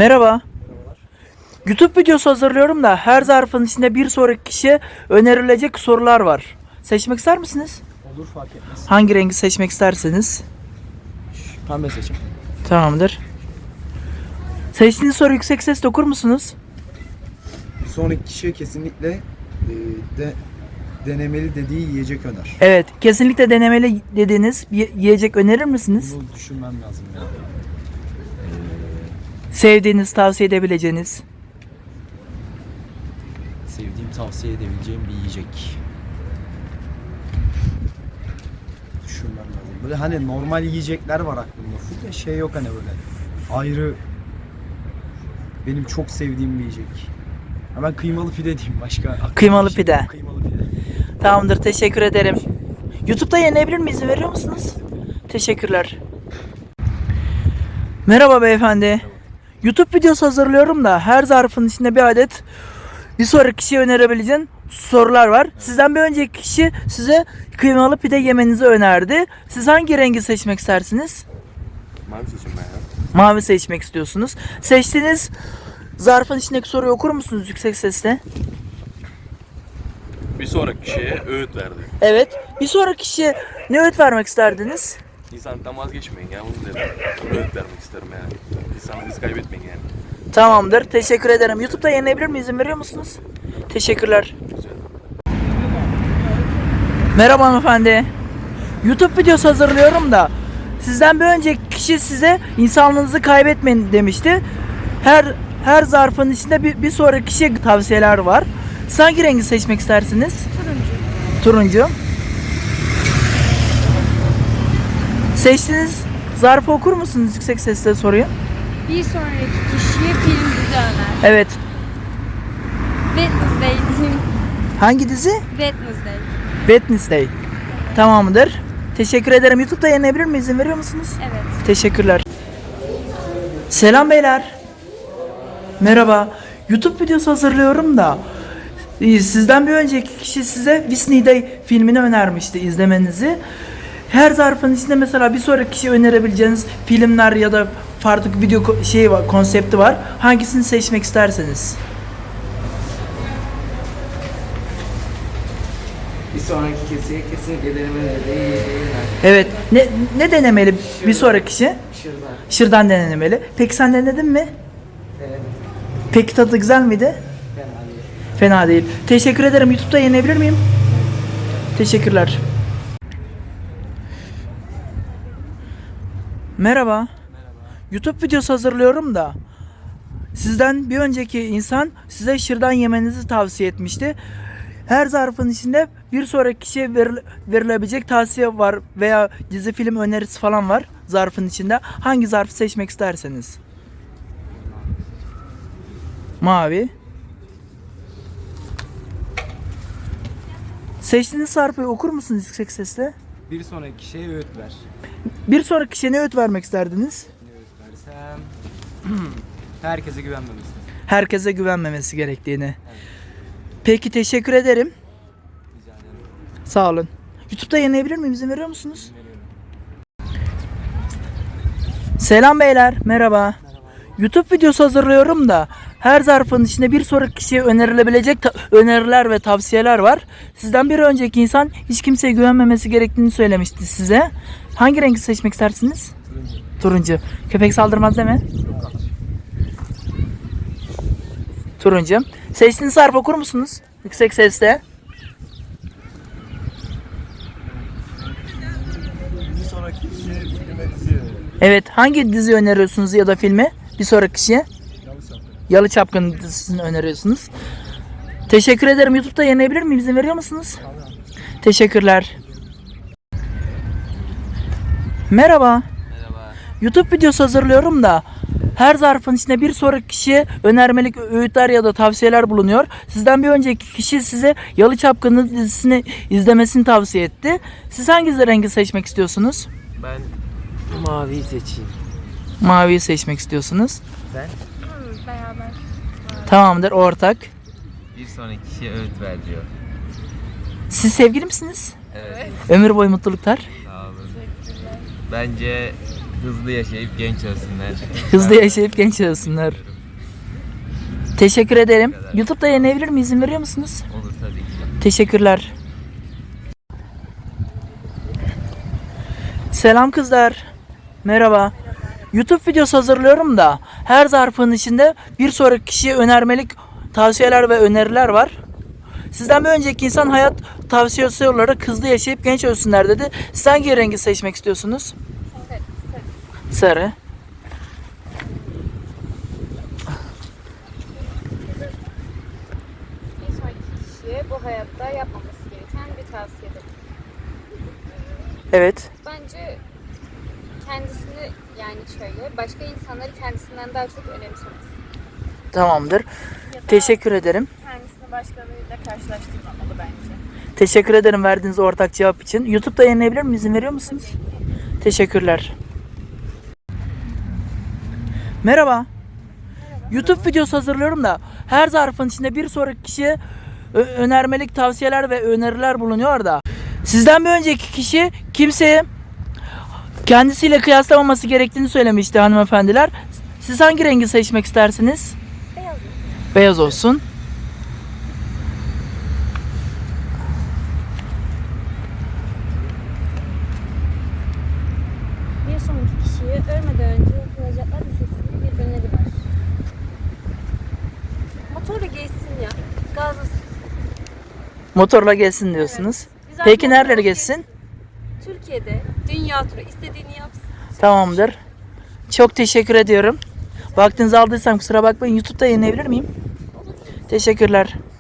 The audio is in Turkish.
Merhaba. YouTube videosu hazırlıyorum da her zarfın içinde bir sonraki kişiye önerilecek sorular var. Seçmek ister misiniz? Olur, fark etmez. Hangi rengi seçmek isterseniz. Pembe seçim. Tamamdır. Seçtiğiniz soru yüksek sesle okur musunuz? Bir sonraki kişiye kesinlikle denemeli dediği yiyecek öner. Evet, kesinlikle denemeli dediğiniz bir yiyecek önerir misiniz? Bunu düşünmem lazım ya. Sevdiğiniz, tavsiye edebileceğiniz. Sevdiğim, tavsiye edebileceğim bir yiyecek. Düşünmem lazım. Böyle hani normal yiyecekler var aklımda. Full de şey yok hani böyle. Ayrı benim çok sevdiğim bir yiyecek. Ha, ben kıymalı pide diyeyim başka. Kıymalı pide. Kıymalı pide. Tamamdır, teşekkür ederim. YouTube'da yayınlayabilir miyiz? İzin veriyor musunuz? Teşekkürler. Merhaba beyefendi. YouTube videosu hazırlıyorum da her zarfın içinde bir adet bir sonraki kişiye önerebileceğin sorular var. Sizden bir önceki kişi size kıymalı pide yemenizi önerdi. Siz hangi rengi seçmek istersiniz? Mavi seçim ben ya. Mavi seçmek istiyorsunuz. Seçtiğiniz zarfın içindeki soruyu okur musunuz yüksek sesle? Bir sonraki kişiye öğüt verdi. Evet. Bir sonraki kişiye ne öğüt vermek isterdiniz? İnsanlıktan vazgeçmeyin ya, bunu dedim. Öğüt vermek isterim yani. İnsanlığınızı kaybetmeyin yani. Tamamdır. Teşekkür ederim. YouTube'da yayınlayabilir miyim? İzin veriyor musunuz? Teşekkürler. Güzel. Merhaba hanımefendi. YouTube videosu hazırlıyorum da sizden bir önceki kişi size insanlığınızı kaybetmeyin demişti. Her zarfın içinde bir sonraki kişiye tavsiyeler var. Siz hangi rengi seçmek istersiniz? Turuncu. Seçtiğiniz zarfı okur musunuz yüksek sesle soruyu? Bir sonraki kişiye film dizi öner. Evet. Wednesday diyeyim. Hangi dizi? Wednesday. Wednesday. Tamamdır. Teşekkür ederim. YouTube'da yayınlayabilir miyim? İzin veriyor musunuz? Evet. Teşekkürler. Selam beyler. Merhaba. YouTube videosu hazırlıyorum da sizden bir önceki kişi size Whitney Day filmini önermişti izlemenizi. Her zarfın içinde mesela bir sonraki kişiye önerebileceğiniz filmler ya da farklı video var, konsepti var. Hangisini seçmek isterseniz. Bir sonraki kesiye kesinlikle denemeli değil. Evet. Ne denemeli bir sonraki kişi? Şırdan. Şırdan denemeli. Peki sen denedin mi? Evet. Peki tadı güzel miydi? Fena değil. Fena değil. Teşekkür ederim. YouTube'da yayınlayabilir miyim? Teşekkürler. Merhaba. YouTube videosu hazırlıyorum da sizden bir önceki insan size şırdan yemenizi tavsiye etmişti. Her zarfın içinde bir sonraki kişiye verilebilecek tavsiye var veya dizi film önerisi falan var zarfın içinde. Hangi zarfı seçmek isterseniz? Mavi. Seçtiğiniz zarfı okur musunuz yüksek sesle? Bir sonraki kişiye öğüt ver. Bir sonraki kişiye ne öğüt vermek isterdiniz? Ne öğüt versem? Herkese güvenmemesi. Herkese güvenmemesi gerektiğini. Peki teşekkür ederim. Rica ederim. Sağ olun. YouTube'da yayınlayabilir miyim? İzin veriyor musunuz? Veriyorum. Selam beyler. Merhaba. YouTube videosu hazırlıyorum da her zarfın içinde bir sonraki kişiye önerilebilecek öneriler ve tavsiyeler var. Sizden bir önceki insan hiç kimseye güvenmemesi gerektiğini söylemişti size. Hangi rengi seçmek istersiniz? Turuncu. Köpek saldırmaz değil mi? Turuncu. Seçtiğiniz zarf okur musunuz? Yüksek sesle. Bir sonraki kişiye filme dizi. Evet. Hangi dizi öneriyorsunuz ya da filmi? Bir sonraki kişiye? Yalı Çapkın dizisini öneriyorsunuz. Teşekkür ederim. YouTube'da yayınlayabilir miyim? İzin veriyor musunuz? Teşekkürler. Merhaba. Merhaba. YouTube videosu hazırlıyorum da her zarfın içinde bir sonraki kişiye önermelik öğütler ya da tavsiyeler bulunuyor. Sizden bir önceki kişi size Yalı Çapkın dizisini izlemesini tavsiye etti. Siz hangi rengi seçmek istiyorsunuz? Ben maviyi seçeyim. Maviyi seçmek istiyorsunuz. Sen? Beraber. Tamamdır, ortak. Bir sonraki kişiye öğüt ver diyor. Siz sevgili misiniz? Evet. Ömür boyu mutluluklar. Sağ olun. Bence Hızlı yaşayıp genç ölsünler. Hızlı yaşayıp genç olsunlar. Teşekkür ederim. YouTube'da yayınlayabilir miyim? İzin veriyor musunuz? Olur tabii ki. Teşekkürler. Selam kızlar. Merhaba. YouTube videosu hazırlıyorum da her zarfın içinde bir sonraki kişiye önermelik tavsiyeler ve öneriler var. Sizden bir önceki insan hayat tavsiyesi olarak hızlı yaşayıp genç ölsünler dedi. Siz hangi rengi seçmek istiyorsunuz? Sarı. Bir sonraki kişiye bu hayatta yapmaması gereken bir tavsiyedir. Evet. Bence kendisini yani şöyle başka insanları kendisinden daha çok önemsemesi. Tamamdır. Ya da Teşekkür ederim. kendisini başkalarıyla karşılaştırmamalı bence. Teşekkür ederim verdiğiniz ortak cevap için. YouTube'da yayınlayabilir miyim? İzin veriyor musunuz? Teşekkürler. Merhaba. YouTube videosu hazırlıyorum da her zarfın içinde bir sonraki kişiye önermelik tavsiyeler ve öneriler bulunuyor da. Sizden bir önceki kişi kimseye kendisiyle kıyaslamaması gerektiğini söylemişti hanımefendiler. Siz hangi rengi seçmek istersiniz? Beyaz. Beyaz olsun. Bir sonraki kişiye ölmeden önce yapılacaklar listesinde bir öneri var. Motorla geçsin ya. Gazlasın. Motorla gelsin diyorsunuz. Güzel Peki motorla nereleri geçsin? Türkiye'de dünya turu istediğini yapsın. Tamamdır. Çok teşekkür ediyorum. Vaktinizi aldıysam kusura bakmayın. YouTube'da yayınlayabilir miyim? Teşekkürler.